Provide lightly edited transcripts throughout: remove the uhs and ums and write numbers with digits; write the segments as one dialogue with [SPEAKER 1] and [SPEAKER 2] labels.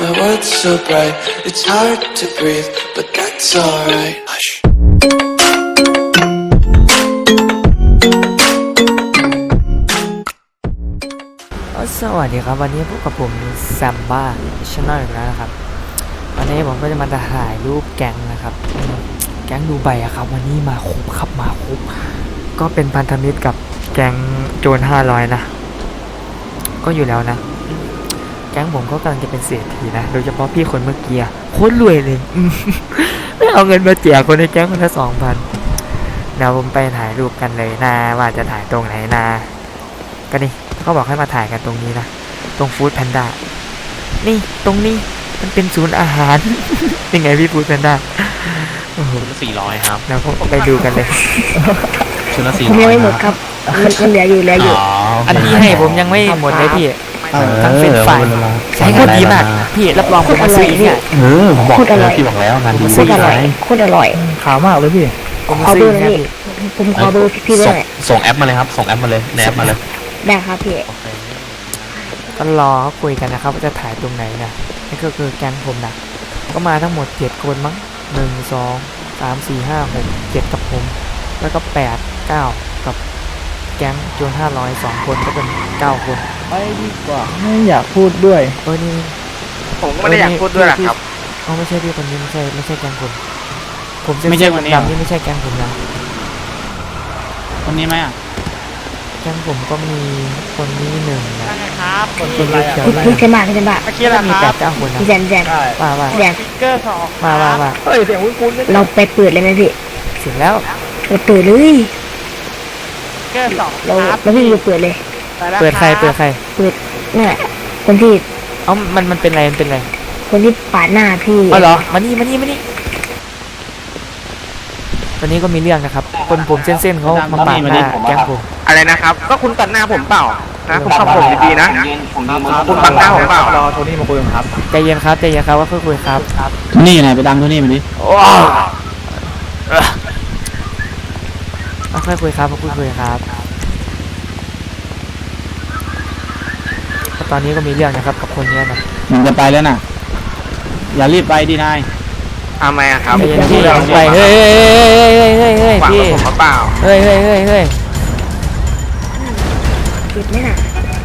[SPEAKER 1] My world's so bright, it's hard to breathe, but that's alright. Hush.
[SPEAKER 2] สวัสดีครับวันนี้พบกับผมแซมบ้าชาแนลอีกแล้วนะครับวันนี้ผมก็จะมาถ่ายรูปแก๊งนะครับแก๊งดูไบอะครับวันนี้มาครบครับมาครบก็เป็นพันธมิตรกับแก๊งโจร500นะก็อยู่แล้วนะแก๊งผมก็กำลังจะเป็นเศรษฐีนะโดยเฉพาะพี่คนเมื่อกี้โคตรรวยเลยไม่เอาเงินมาแจกคนในแก๊งคนละ 2,000 เดี๋ยวผมไปถ่ายรูปกันเลยนะว่าจะถ่ายตรงไหนนะก็นี่เขาบอกให้มาถ่ายกันตรงนี้นะตรงฟู้ดแพนด้านี่ตรงนี้มันเป็นศูนย์อาหาร ยังไงพี่ฟู้ดแพนด้า
[SPEAKER 3] ชุดละ400ครับ
[SPEAKER 2] แล้วผมไปดูกันเลย
[SPEAKER 3] ชุดละ400
[SPEAKER 4] ผมยังไม่หมดครับมันเหลืออยู่
[SPEAKER 2] อันที่ให้ผมยังไม่หมดเลยพี่ทั้งเป็นฝ่ายใช้โคตรดีมากพี่รับรองผมมาซื้ออีกเนี่ย
[SPEAKER 3] ผมบอกพี่บอกแล้วงานดี
[SPEAKER 4] โคตรอร่อยโคตรอร่อย
[SPEAKER 5] ขาวมากเลยพี่
[SPEAKER 2] ผม
[SPEAKER 4] ขอ
[SPEAKER 2] ซื้
[SPEAKER 4] เบ
[SPEAKER 2] อ
[SPEAKER 4] อร์
[SPEAKER 2] นะ
[SPEAKER 4] นี่
[SPEAKER 2] พี่
[SPEAKER 4] ผมขอเบอร์พี่ด้วย
[SPEAKER 3] ส่งแอปมาเลยครับส่งแอปมาเลยในแอปมาเลย
[SPEAKER 4] ได้ครับพี่
[SPEAKER 2] ก็รอเขาคุยกันนะครับว่าจะถ่ายตรงไหนนะนี่ก็คือแก๊งผมนะก็มาทั้งหมด7คนมั้ง1 2 3 4 5 6 7กับผมแล้วก็8 9กับแก๊งโจร500 2 คนก็เป็น9 คน
[SPEAKER 5] ไปดีกว่าไม่อยากพูดด้วย
[SPEAKER 2] นี่
[SPEAKER 6] ผมก็ไม่ได้อยากพูดด้วยหรอกครับ
[SPEAKER 2] ไม่ใช่พี่คนนี้ไม่ใช่แก๊งผมไม่ใช่คนดำนี่ไม่ใช่แก๊งผมนะ
[SPEAKER 5] คนนี้ไหมอ่ะ
[SPEAKER 2] แก๊งผมก็มีคนนี้1
[SPEAKER 6] นะครับ
[SPEAKER 2] คนเขียว
[SPEAKER 4] พี่เซนบ้าเมื่
[SPEAKER 6] อกี้ละ
[SPEAKER 2] มี
[SPEAKER 6] ครับ
[SPEAKER 2] 8 9 คนนะ
[SPEAKER 4] พี่แซม
[SPEAKER 2] ว่า
[SPEAKER 4] แซม
[SPEAKER 6] เกอร์2
[SPEAKER 2] ว่า
[SPEAKER 6] เฮ้ยเสียงคุ้น
[SPEAKER 4] เราไปเปิดเลยไหมพี่
[SPEAKER 2] เสร็จแล้ว
[SPEAKER 4] เราเปิดเลย
[SPEAKER 6] เกอร์2
[SPEAKER 4] เราพี่เปิดเลย
[SPEAKER 2] เปิดใครเปิด
[SPEAKER 4] นี่แหละคนที่
[SPEAKER 2] มันเป็นอะไร
[SPEAKER 4] คนที่ปาดหน้าพี่
[SPEAKER 2] อ๋อเหรอมานี่วันนี้ก็มีเรื่องนะครับคนผมเส้นเขามาปาดหน้าแก๊งผม
[SPEAKER 6] อะไรนะครับก็คุณตัดหน้าผมเปล่านะผมขับผมดีๆนะคุณตัดหน้าผมเปล่าร
[SPEAKER 5] อโทนี่มาคุยกันครับ
[SPEAKER 2] ใจเย็นครับว่าคุยครับ
[SPEAKER 5] โทนี่ไหนไปดังโทนี่มาดิ
[SPEAKER 2] ค่อยคุยครับตอนนี้ก็มีเรื่องนะครับกับคนนี้นะ
[SPEAKER 5] มันจะไปแล้วน่ะอย่ารีบไปดีนาย
[SPEAKER 6] ทำไมอะครับ
[SPEAKER 2] พี่ไปเฮ้ย
[SPEAKER 6] พี่ผมเปล่า
[SPEAKER 2] เฮ้ย
[SPEAKER 4] ปิดไหมน่ะ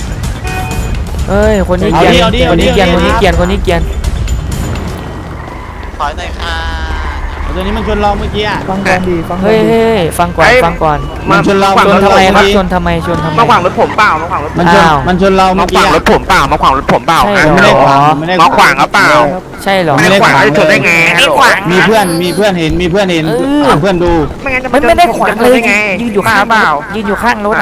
[SPEAKER 2] คนนี้เกียน
[SPEAKER 5] ถอยหน่
[SPEAKER 3] อยค่ะ
[SPEAKER 5] ตัวนี้มันชนเราเมื่อกี้ฟังก่อนดีฟัง
[SPEAKER 2] ก่อน
[SPEAKER 5] มันชนเรา
[SPEAKER 2] ชนทำไม
[SPEAKER 6] มาขวางรถผมเปล่า
[SPEAKER 5] มันชนเราเมื่อกี้
[SPEAKER 6] มาขวางรถผมเปล่ามาขวางรถผมเปล่า
[SPEAKER 5] ไม่ได้ขวาง
[SPEAKER 6] มาขวางเปล่า
[SPEAKER 2] ใช่หรอ
[SPEAKER 6] ไม่ได้ขวางชนได้ไง
[SPEAKER 5] มีเพื่อนเห็นเพื่อนดู
[SPEAKER 2] ไม่ได้ขวางเลยยืนอยู่ข้างรถยืนอยู่ข้างรถ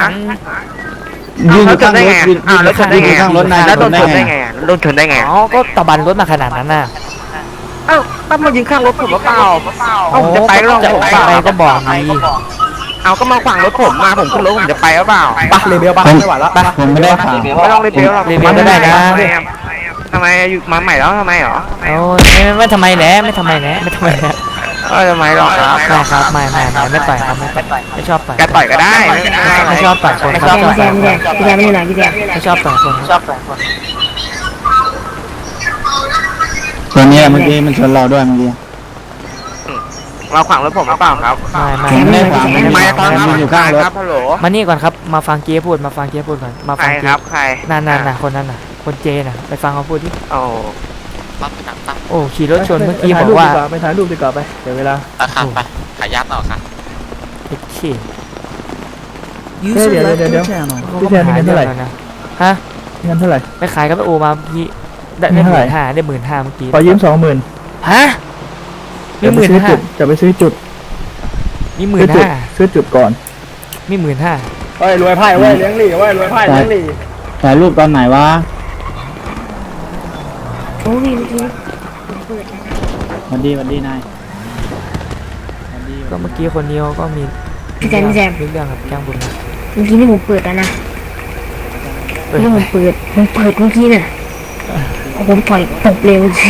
[SPEAKER 6] แล้วชนได้ไงแล้วโดนชนได้ไง
[SPEAKER 2] อ๋อก็ตะบันรถมาขนาดนั้นน่ะ
[SPEAKER 6] ต้องมายืนข้างรถผมเปล่าผมจะไปก็ลองผม
[SPEAKER 2] ไปก็บอกดี
[SPEAKER 6] ก็มาขวางรถผมมาผมขึ้นรถผมจะไปหรือเปล่า
[SPEAKER 5] ปะเรเบลปะไม่ไหวแล้วปะผมไม่ได้ขวาง
[SPEAKER 6] ไม่ต้องเรเบลหรอก
[SPEAKER 2] ไม่ได้นะ
[SPEAKER 6] ทำไมอยู่มาใหม่แล้วทำไมหรอ
[SPEAKER 2] โอ้ยไม่ทำไมแหละไม่ทำไมหรอกครับไม่ต่อยครับไม่ชอบต่อย
[SPEAKER 6] จะต่อยก็ได้
[SPEAKER 2] ไม่ชอบต่อยคน
[SPEAKER 4] พี่แซมไม่หน่อยพี่แซม
[SPEAKER 2] ไม่ชอบต่อยคน
[SPEAKER 5] ตัวนี้เมื่อกี้มันชนเราด้วยเมื่อกี้
[SPEAKER 6] เราขวางรถผมหรือเปล่าครับ
[SPEAKER 5] ไม่ขวาง
[SPEAKER 6] ไม่
[SPEAKER 5] มันอยู่ข้างรถ
[SPEAKER 6] ฮัลโหล
[SPEAKER 2] มานี่ก่อนครับมาฟังเกียร์พูดก่อนมาฟังเกียร์
[SPEAKER 6] ครับใคร
[SPEAKER 2] นั่นคนนั้นน่ะคนเจน่ะไปฟังเขาพูดดิโอ้ขี่รถชนเมื่อกี้บอกว่า
[SPEAKER 5] ไปถ่ายรูปดีกว่าไปเดี๋ยวเวลา
[SPEAKER 3] ไปขายยัดต่อค่ะ
[SPEAKER 2] ขี่
[SPEAKER 5] เดี๋ยวพี่แทนเงินเท่าไหร่
[SPEAKER 2] ฮะ
[SPEAKER 5] เงินเท่าไหร่
[SPEAKER 2] ไปขายกับโอมาพี่ได้15,000ได้15,000เมื่อกี้
[SPEAKER 5] ขอยืม20,000
[SPEAKER 2] ฮะมี
[SPEAKER 5] 15,000จะไปซื้อจุด
[SPEAKER 2] มี
[SPEAKER 5] 15,000ซื้อจุดก่อน
[SPEAKER 2] มี
[SPEAKER 5] 15,000รวยไพ่เลี้ยงหลี่รวยไพ่เลี้ยงหลี่ถ่ายรูปตอนไหนวะ
[SPEAKER 4] โอ้ย
[SPEAKER 5] วันดีนาย
[SPEAKER 2] ก็เมื่อกี้คนเดียวก็มี
[SPEAKER 4] พี่แซม
[SPEAKER 2] เรื่องกับแก้งบุญ
[SPEAKER 4] เมื่อกี้นี่ผมเปิดแล้วนะนี่ผมเปิดเมื่อกี้น่ะผมปล่อยตกเร็วสิ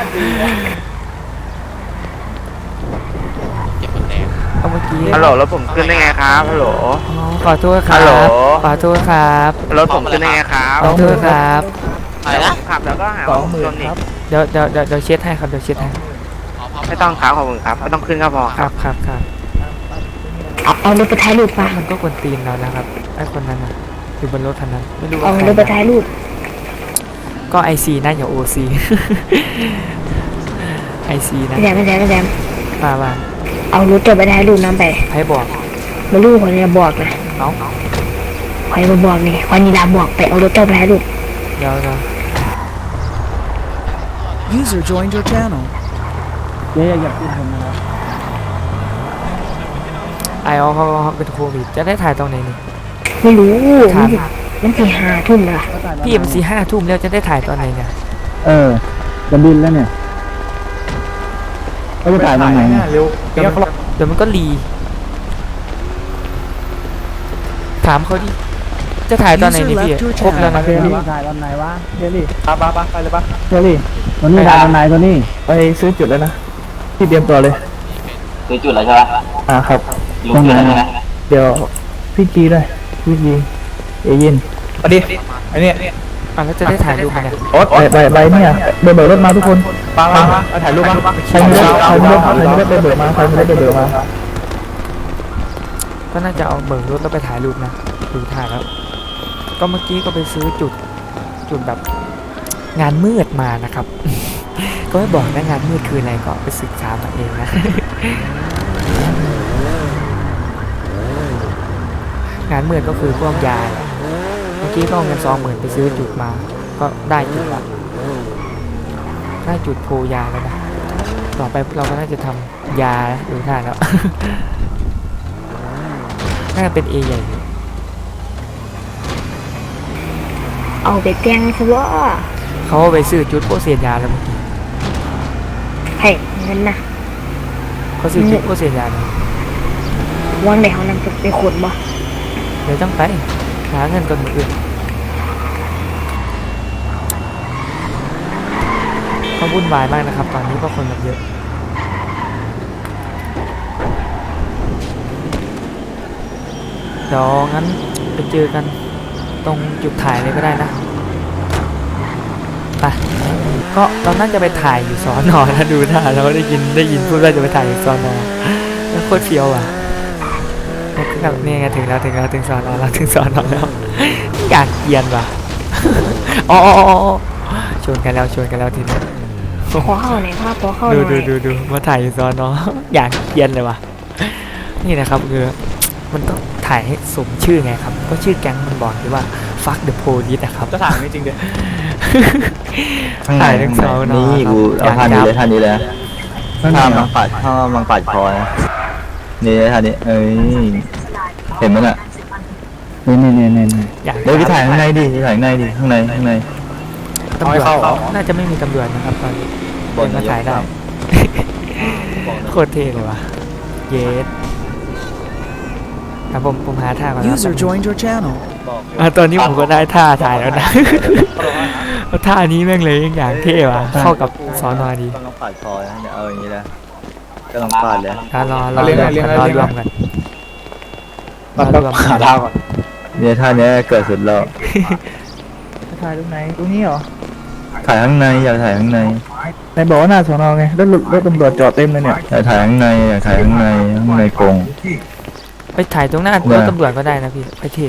[SPEAKER 2] เมื่อกี้
[SPEAKER 6] ฮัลโหลรถผมขึ้นได้ไงครับฮัลโหล
[SPEAKER 2] ขอโทษครับขอโทษครับ
[SPEAKER 6] รถผมขึ้นได้ไงครับ
[SPEAKER 2] ขอโทษครับ
[SPEAKER 3] อะไรนะ
[SPEAKER 6] ขับแล้วก็หาว่าผมชนอีก
[SPEAKER 2] เดี๋ยวเช็ดให้ครับเดี๋ยวเช็ดให้
[SPEAKER 6] ไม่ต้องครับขอบคุณครับไม่ต้องขึ้นก็พอ
[SPEAKER 2] ครับครับครับ
[SPEAKER 4] เอารถไปถ่ายรูปป่ะ
[SPEAKER 2] มันก็กวนตีนเรานะครับไอ้คนนั้นน่ะอยู่บนรถคันนั้นไม่รู้ว่า
[SPEAKER 4] เอา
[SPEAKER 2] ใคร
[SPEAKER 4] รถไปถ่ายรูป
[SPEAKER 2] ก็ไอซีนะอย่าโอซีไอซีนะ
[SPEAKER 4] ไม่แดม
[SPEAKER 2] ว่า
[SPEAKER 4] เอารถตัวไปถ่ายรูปน้ำไป
[SPEAKER 2] ให้บอก
[SPEAKER 4] มาลูกคนนี้บอกนะ
[SPEAKER 2] เอ้า
[SPEAKER 4] ใครมาบอกนี่วันนี้ลาบอกไปเอารถตัวไปถ่ายรูป
[SPEAKER 2] เดี๋ยว
[SPEAKER 1] User joined your channel.
[SPEAKER 5] เจ๊อย่าพูดผมนะครับ
[SPEAKER 2] ไอออเขาเป็นโควิดจะได้ถ่ายตรงไหนนี่
[SPEAKER 4] ไม่รู้
[SPEAKER 2] ครับ
[SPEAKER 4] มันสี่ห้าทุ่มแล้วล่ะ
[SPEAKER 2] พี่มัน4-5 ทุ่มแล้วจะได้ถ่ายตอนไหนเนี่ย
[SPEAKER 5] จะบินแล้วเนี่ยเขาจะถ่ายตรงไหนเนี่ย
[SPEAKER 2] เดี๋ยวมันก็รีถามเขาดิจะถ่ายตอนไหนนี่พี่ครบแล้วนะ
[SPEAKER 5] เจ
[SPEAKER 2] พี่
[SPEAKER 5] ลี่ถ่ายตอนไหนวะเจลี่
[SPEAKER 6] ไปเลยปะ
[SPEAKER 5] เจลี่วันนี้ถ่ายตอนไหนตัวนี้
[SPEAKER 6] ไปซื้อจุดแล้วนะที่เตรียมตัวเลย
[SPEAKER 7] ซื้อจุดแล้วใช่ไหม
[SPEAKER 6] ครับ
[SPEAKER 7] รู้จุดแล้วใช่ไหม
[SPEAKER 6] เดี๋ยวพี่จีด้วยพี่จีเอยินมาดิไอเนี่ย
[SPEAKER 2] แล้วจะได้ถ่ายรูปไหมเนี่ย
[SPEAKER 6] โอ๊ตใบเนี่ยเบิกรถมาทุกคนมาถ่ายรูปมาใครมีรถไปเบิกมาใครมีรถไปเบิกมา
[SPEAKER 2] ก็น่าจะเอาเบิกรถแล้วไปถ่ายรูปนะดูถ่ายแล้ว ก็เมื่อกี้ก็ไปซื้อจุดแบบงานมืดมานะครับ ก็ไม่บอกนะงานมืดคืออะไรก็ไปศึกษามาเองนะ งานมืดก็คือพวกยาแหละเมื่อกี้ก็เอาเงิน20,000ไปซื้อจุดมา ก็ได้จุดละได้จุดโพยาแล้วนะต่อไปเราก็น่าจะทำยาดูท่าแล้ว น่าจะเป็น A ใหญ่อยู่
[SPEAKER 4] เอาไปแกงซะว่า
[SPEAKER 2] เขาไปซื้อจุดโพเซียนยาแล้วเมื่อกี้
[SPEAKER 4] ให้เงินนะ
[SPEAKER 2] เขาซื้อจุดโพเซียนยาเลย
[SPEAKER 4] วันไหนเขานำไปขนบ่
[SPEAKER 2] เดี๋ยวต้องไปหาเงินก่อนมืออื่นเขาวุ่นวายมากนะครับ ตอนนี้เพราะคนแบบเยอะเดี๋ยวงั้นไปเจอกันตรงจุดถ่ายเลยก็ได้นะไปก็เราน่าจะไปถ่ายอยู่สอนอนะดูท่าเราได้ยินพูดว่าจะไปถ่ายอยู่สอนอแล้วโคตรเฟี้ยวอ่ะนี่ไงถึงสอนอแล้วถึงสอนอแล้วอยากเกียนว่ะอ๋อชวนกันแล้วทีนี้
[SPEAKER 4] ขอเข้าหน่อยครับขอเข้าหน่อย
[SPEAKER 2] ดูมาถ่ายอยู่สอนออยากเกียนเลยว่ะนี่นะครับคือมันต้องถ่ายให้สมชื่อไงครับก็ชื่อแก๊งมันบอกที่ว่า fuck the police นะครับ
[SPEAKER 6] จะถ่ายไม่จริงเด้
[SPEAKER 2] ถ่ายทั้งสองนอ
[SPEAKER 7] นี่กูเอาท่านี้เลยท่านี้เลยท่ามังปัดคอนะนี่ท่านี้เอ้ยเห็นมั้ยน่ะ
[SPEAKER 5] นี่
[SPEAKER 2] อยาก
[SPEAKER 7] เดี๋ยวไปถ่ายข้างในดิข้างใน
[SPEAKER 2] ตำรวจน่าจะไม่มีตำรวจนะครับตอนนี้เดินมาถ่ายได้โคตรเท่เลยว่ะเยสครับผมหาท่าก่อนนะ
[SPEAKER 1] User joined your channel.
[SPEAKER 2] ตอนนี้ผมก็ได้ท่าถ่ายแล้วนะ ท่านี้แม่งเลยอย่างเท่ว่ะเข้ากับสอนอดี
[SPEAKER 7] กำลังปัดคอนะเนี่ยเอาอย่างนี้นะกำลังปัดเลย
[SPEAKER 2] รอรวมกัน
[SPEAKER 6] มันต้องหาดาวก่อน
[SPEAKER 7] เนี่ยท่านี้เกิดสุดแล้ว
[SPEAKER 6] ถ่ายตรงไหนตรงนี้เหรอ
[SPEAKER 7] ถ่ายข้างในอยากถ่ายข้างใน
[SPEAKER 6] ในบอกว่าหน้าสอนอไงรถตำรวจจอดเต็มเลยเนี่ย
[SPEAKER 7] อยากถ่ายข้างในกรง
[SPEAKER 2] ไปถ่ายตรงหน้ารถตำรวจก็ได้นะพี่ไปเท่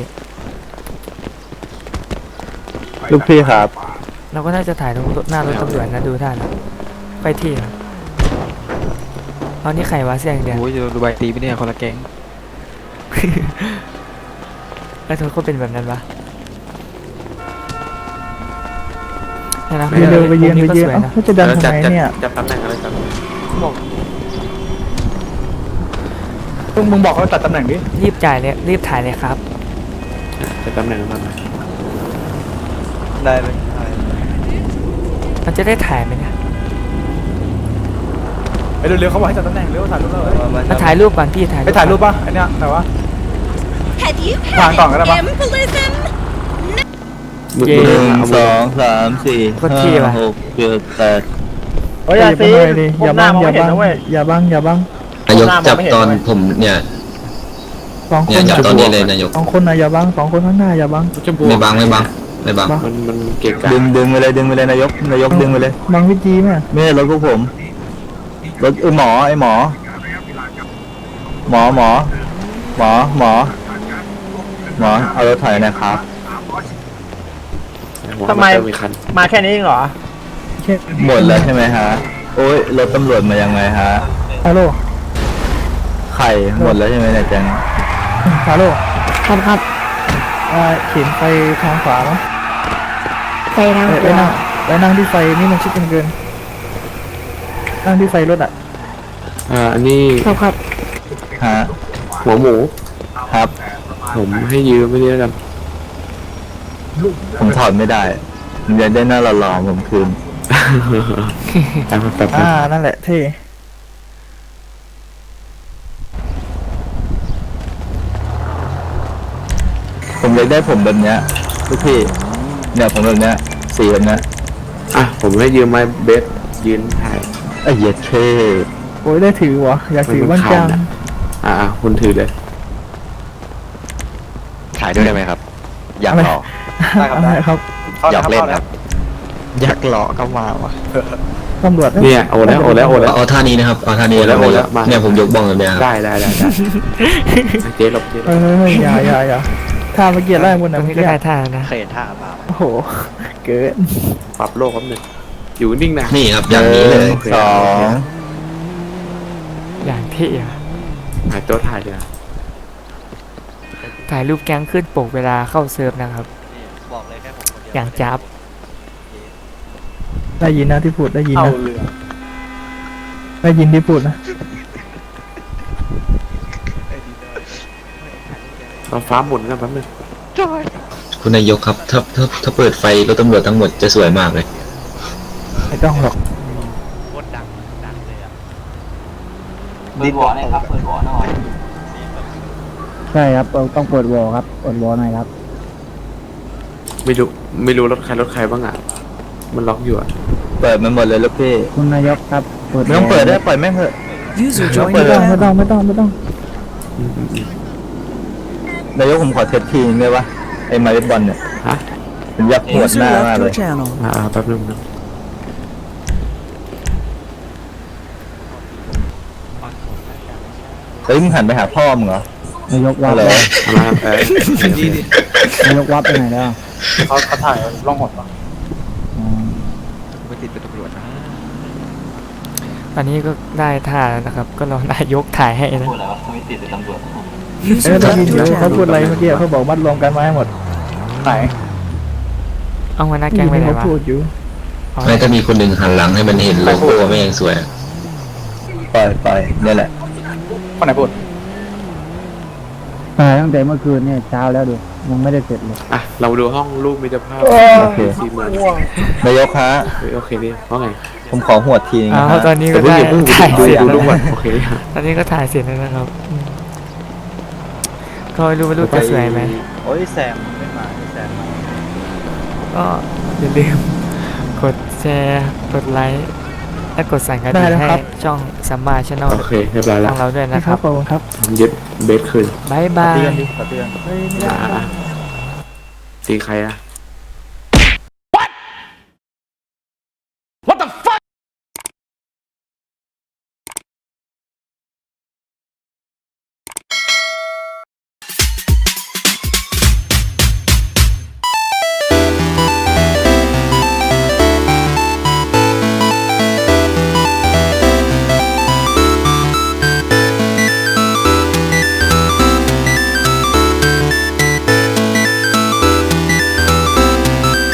[SPEAKER 7] ลูกพี่ครับ
[SPEAKER 2] เราก็น่าจะถ่ายตรงหน้ารถตำรวจนะดูท่านะไปเท่เอานี่ใครวะเสียงเดียว
[SPEAKER 3] โอ้ยดูใบตีไม่เนี่ยคนละแก๊ง
[SPEAKER 2] แล้วทุกคนเป็นแบบนั้นปะเนี่ยนะ
[SPEAKER 6] ไปเร็วไปเยือน
[SPEAKER 2] มุมก็สวยนะ
[SPEAKER 6] เขาจะดันทำไมเนี่ย
[SPEAKER 3] จะตำแหน่งอะไรกัน
[SPEAKER 6] ต้องมึงบอกเขาตัดตำแหน่งดิ
[SPEAKER 2] รีบจ่ายเลยรีบถ่ายเลยครับ
[SPEAKER 3] จะตำแหน่งมัน
[SPEAKER 7] ได้เลย
[SPEAKER 2] มันจะได้ถ่ายไหมเนี่ย
[SPEAKER 6] เร็วๆเขาบอกให้ตัดตำแหน่งเร็วถ่ายรูปแล้ว
[SPEAKER 2] มาถ่ายรูปก่อนพี่ถ่าย
[SPEAKER 6] ไปถ่ายรูปป่ะอันเนี้ยแต่ว่า
[SPEAKER 8] Have you
[SPEAKER 6] Hoàng
[SPEAKER 8] had
[SPEAKER 6] còn cái đó
[SPEAKER 8] an
[SPEAKER 6] bác.
[SPEAKER 8] embolism?
[SPEAKER 7] 1 2 3 4 5 6 7 8
[SPEAKER 6] โอ้ยอย่าซีอย่าบังอย่าบัง
[SPEAKER 9] นายกจับตอนผมเนี่ย
[SPEAKER 6] สองค
[SPEAKER 9] เนี่ย
[SPEAKER 6] น
[SPEAKER 9] จับตอนนี้เลยนายก
[SPEAKER 6] 2 คนนะอย่าบัง2 คนข้างหน้าอย่าบัง
[SPEAKER 9] ไม่บังไม่บัง
[SPEAKER 3] มันเกะกะ
[SPEAKER 7] ดึงไปเลยนายกดึงไปเลย
[SPEAKER 6] บางวิจีไหม
[SPEAKER 7] ไม่ใช่รถพวกผมรถหมอเอารถถอยนะครับ
[SPEAKER 3] ทำไมมีคัน
[SPEAKER 6] มาแค่นี้เองเหรอ
[SPEAKER 7] หมดแล้วใช่ไหมฮะโอ้ยรถตำรวจมายังไงฮะ
[SPEAKER 6] ฮัลโหล
[SPEAKER 7] ไข่หมดแล้วใช่ไหมเนี่ยแจง
[SPEAKER 6] ฮัลโหล
[SPEAKER 4] ครับครับ
[SPEAKER 6] เข็นไปทางขวามั้ง
[SPEAKER 4] ไปทาง
[SPEAKER 6] ไปนั่งที่ไฟนี่มันชิดกันเกินนั่งที่ไฟรถอ่ะ
[SPEAKER 3] อันนี้
[SPEAKER 4] ครับ
[SPEAKER 7] ฮะ
[SPEAKER 3] หัวหมู
[SPEAKER 7] ครับ
[SPEAKER 3] ผมให้ยืมไม่ได้แล้วกัน
[SPEAKER 7] ผมถอดไม่ได้ผมอยากได้หน้าหล่อๆผมคืน
[SPEAKER 3] แป๊บ
[SPEAKER 6] นั่นแหละเท่
[SPEAKER 7] ผมอยากได้ผมแบบเนี้ยทุกพี่เนี่ยผมแบบเนี้ยสีแบบเนี้ย
[SPEAKER 3] ผมให้ยืมไม้เบสยืนถ่าย
[SPEAKER 7] ไอ้เหี้ยเท่
[SPEAKER 6] โอ้ยได้ถือวะอยากถือบ้างจัง
[SPEAKER 3] คุณถือเลย
[SPEAKER 7] ถ่ายด้วยได้ไหมครับ อยากหล่อ
[SPEAKER 6] อะไรครับ
[SPEAKER 7] อยากเล่นครับอยากหล่อก็มาวะ
[SPEAKER 6] ตำรวจ
[SPEAKER 3] เนี่ยโอแล้ว
[SPEAKER 9] เอาท่านี้นะครับเอาท่านี้
[SPEAKER 3] โอ้แล้วมา
[SPEAKER 9] เนี่ยผมยกบ้องแบบเนี้ยครับ
[SPEAKER 3] ได้เจ๊หลบ
[SPEAKER 6] เฮ้ยอย่าถ้าเมื่อกี้ไล่บน
[SPEAKER 2] ต
[SPEAKER 6] นะ
[SPEAKER 2] รง
[SPEAKER 6] เมื่
[SPEAKER 2] นี้
[SPEAKER 6] อ
[SPEAKER 2] ก็
[SPEAKER 6] กี้
[SPEAKER 2] ได้ท่านะ
[SPEAKER 7] เคยเห็นท่าเปล่า
[SPEAKER 6] โอ้โหเกิน
[SPEAKER 3] ปรับโลกครับหนึ่งอยู่นิ่งนะ
[SPEAKER 9] นี่ครับอย่างนี้เลย
[SPEAKER 7] สอง
[SPEAKER 2] อย่างเท่อะ
[SPEAKER 3] ถ่ายตัวถ่ายเลย
[SPEAKER 2] ถ่ายรูปแก๊งขึ้นปกเวลาเข้าเซิร์ฟนะครับ
[SPEAKER 7] บอกเลยแค่ผมคนเดียว
[SPEAKER 2] อย่างจับ
[SPEAKER 6] ได้ยินนะที่พูดได้ยินนะได้ยินที่พูดนะ
[SPEAKER 3] เราฟ้าหมุนกันแป๊บนึง
[SPEAKER 9] คุณนายกครับถ้าเปิดไฟรถตำรวจทั้งหมดจะสวยมากเลย
[SPEAKER 6] ไม่ต้องหรอก
[SPEAKER 7] ดีบอลเลยครับเปิดบอลหน่อย
[SPEAKER 6] ใช่ครับต้องเปิดวอลครับเปิดวอลหน่อยครับ
[SPEAKER 3] ไม่รู้รถใครบ้างมันล็อกอยู่
[SPEAKER 7] เปิดมันหมดเลยลูกพี่
[SPEAKER 6] คุณนายกครับเปิด
[SPEAKER 7] ไม่ต้องเปิดได้ปล่อยแม่งเถอะ
[SPEAKER 6] ไม่ต้อง
[SPEAKER 7] นายกผมขอเทสทีนึงได้ปะไอ้ไม้เบสบอลเนี่ย
[SPEAKER 3] ฮะ
[SPEAKER 7] ผมอยากปวดหน้ามากเลย
[SPEAKER 3] แป๊บนึงนะ
[SPEAKER 7] เฮ้ยมึงหันไปหาพ่อมึงเหรอน
[SPEAKER 6] ายกวั
[SPEAKER 7] ฮั
[SPEAKER 6] บ
[SPEAKER 7] ลโหล
[SPEAKER 6] นายกวับไปไหนแล้ว
[SPEAKER 5] เขาถ่ายล่องหนปะ
[SPEAKER 7] ไม่ติดเป็นตำรวจนะ
[SPEAKER 2] ตอนนี้ก็ได้ท่าแล้วนะครับ ก็รอนายกถ่ายให้นะ
[SPEAKER 7] พูดแล้วไม่ติดเป็นตำรวจ
[SPEAKER 6] ได้ยินเดี๋ยวเขาพูดอะไรเมื่อกี้เขาบอกมัดรวมกันมาให้หมด
[SPEAKER 5] ไหน
[SPEAKER 2] เอาหัวหน้าแก๊งไปไหน
[SPEAKER 6] เขา
[SPEAKER 2] วะ
[SPEAKER 6] พูดอยู่
[SPEAKER 2] อ๋อ
[SPEAKER 9] ไม่ถ้ามีคนหนึ่งหันหลังให้มันเห็นโลโก้ไม่ยังสวย
[SPEAKER 7] ปล่อยเนี่ยแหละ
[SPEAKER 5] คนไหนพูด
[SPEAKER 6] ตั้งแต่เมื่อคืนเนี่ยเช้าแล้วดูยังไม่ได้เสร็จเลย
[SPEAKER 3] เราดูห้องรูปมิตรภาพ
[SPEAKER 7] โอเค
[SPEAKER 3] 4 เมือง
[SPEAKER 7] นายกฮะ
[SPEAKER 3] โอเคดิเพราะไง
[SPEAKER 7] ผมขอหวดทีนึง
[SPEAKER 2] อ๋
[SPEAKER 7] นะ
[SPEAKER 2] อ
[SPEAKER 7] ฮะ
[SPEAKER 2] ตอนนี้ก็ได้ถ่ายเสร็จ
[SPEAKER 3] ดู
[SPEAKER 2] แล้ว
[SPEAKER 3] รูปก่อน
[SPEAKER 2] นะ
[SPEAKER 3] โอเค
[SPEAKER 2] ตอนนี้ก็ถ่ายเสร็จแล้วนะครับก็ไม่รู้ว่ารูปจะสวยไหม
[SPEAKER 7] โอ้ยแซมไม่มาแซมมา
[SPEAKER 2] ก็อย่าลืมกดแชร์กดไลค์และกดสั่นกระดิ่งให้ช่องซัมมาชาแนล
[SPEAKER 3] โอเคเรียบร้อย
[SPEAKER 2] ข
[SPEAKER 3] แล้
[SPEAKER 2] อ
[SPEAKER 3] ว
[SPEAKER 2] งเราด้วยนะครับ
[SPEAKER 6] ขอบคุณครับ
[SPEAKER 3] ผมยึดเบสคืน
[SPEAKER 2] บ๊ายบาย
[SPEAKER 7] ขอเตือน
[SPEAKER 3] ตีใคร